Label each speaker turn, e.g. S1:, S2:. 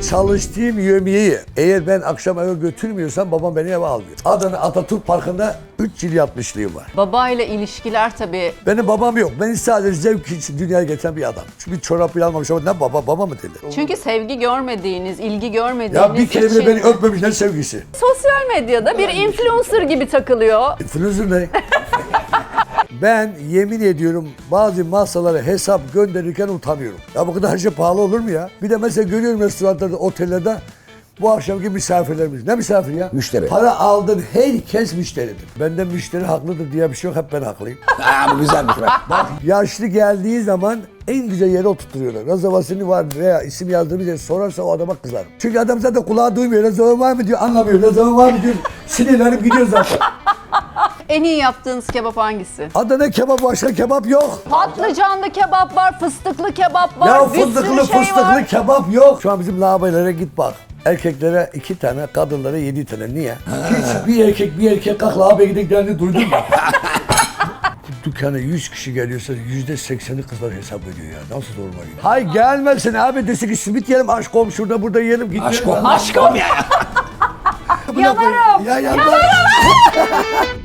S1: çalıştığım yemeği eğer ben akşam eve götürmüyorsam babam beni eve almıyor. Adana Atatürk Parkı'nda 3 yıl yapmışlığım var.
S2: Babayla ilişkiler tabii.
S1: Benim babam yok. Beni sadece zevk için dünyaya getiren bir adam. Çünkü bir çorap bile almamış ama ne baba mı dedi?
S2: Çünkü sevgi görmediğiniz, ilgi görmediğiniz
S1: Ya bir kere bile beni öpmemiş ne sevgisi.
S2: Sosyal medyada bir influencer gibi takılıyor.
S1: Influencer ne? Ben yemin ediyorum bazı masalara hesap gönderirken utanıyorum. Ya bu kadar şey pahalı olur mu ya? Bir de mesela görüyorum restoranlarda, otellerde bu akşamki misafirlerimiz. Ne misafir ya?
S3: Müşteri.
S1: Para aldın herkes müşteridir. Benden müşteri haklıdır diye bir şey yok, hep ben haklıyım.
S3: Bu güzelmiş be.
S1: Bak yaşlı geldiği zaman en güzel yere oturtuyorlar. Rezervasyonu var veya isim yazdığımız yere sorarsa o adama kızarım. Çünkü adam zaten kulağı duymuyor. Rezervasyon var mı diyor, anlamıyor. Rezervasyon var mı diyor. Sinirlenip gidiyor zaten.
S2: En iyi yaptığınız kebap hangisi?
S1: Adana kebap, başka kebap yok.
S2: Patlıcanlı kebap var, fıstıklı kebap var,
S1: Ya
S2: bir sürü şey var.
S1: kebap yok. Şu an bizim lavabolara git bak. Erkeklere 2 tane, kadınlara 7 tane. Niye? Hiç bir erkek kalk lavaboya gideceklerini duydun mu? Dükkana 100 kişi geliyorsa %80'i kızlar hesap ediyor ya. Nasıl normal ya? Hay gelmesin abi, desin ki simit yiyelim, aşkom şurada burada yiyelim. Git
S3: Aşkım ya.
S2: Yanarım.
S1: Ya yanarım.